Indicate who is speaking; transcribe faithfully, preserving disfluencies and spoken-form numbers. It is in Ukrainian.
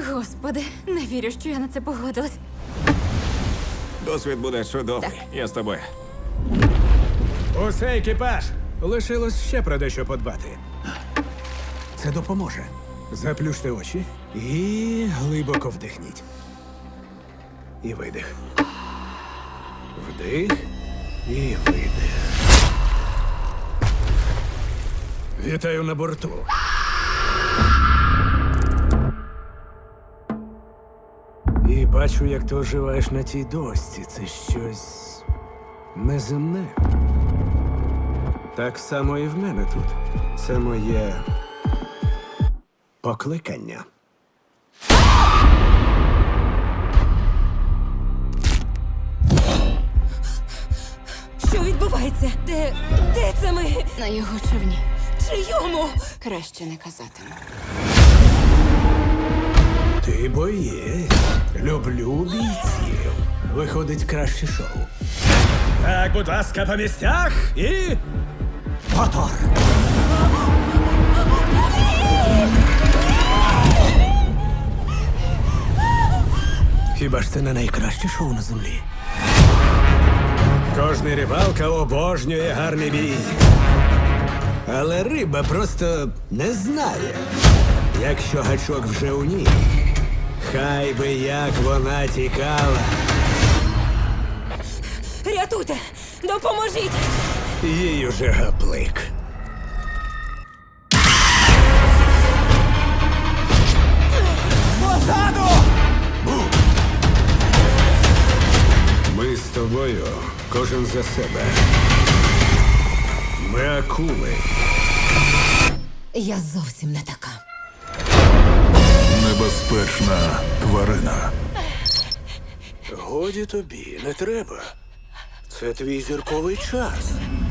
Speaker 1: Господи, не вірю, що я на це погодилась.
Speaker 2: Досвід буде чудовий. Я з тобою.
Speaker 3: Усе, екіпаж! Лишилось ще про дещо подбати. Це допоможе. Заплющте очі і глибоко вдихніть. І видих. Вдих і видих. Вітаю на борту. І бачу, як ти оживаєш на тій дошці. Це щось неземне. Так само і в мене тут. Це моє покликання.
Speaker 1: Що відбувається? Де. де це ми?
Speaker 4: На його човні.
Speaker 1: Чийому?
Speaker 4: Краще не казатиму.
Speaker 3: Ти боєць. Люблю бійців. Виходить краще шоу. Так, будь ласка, по місцях і. Мотор! Хіба ж це не найкраще шоу на землі? Кожний рибалка обожнює гарний бій. Але риба просто не знає, якщо гачок вже у ній. Хай би як вона тікала.
Speaker 1: Рятуйте! Допоможіть!
Speaker 3: Їй уже гаплик. Позаду! Ми з тобою, кожен за себе. Ми акули.
Speaker 1: Я зовсім не така.
Speaker 5: Небезпечна тварина.
Speaker 3: Годі тобі, не треба. Це твій зірковий час.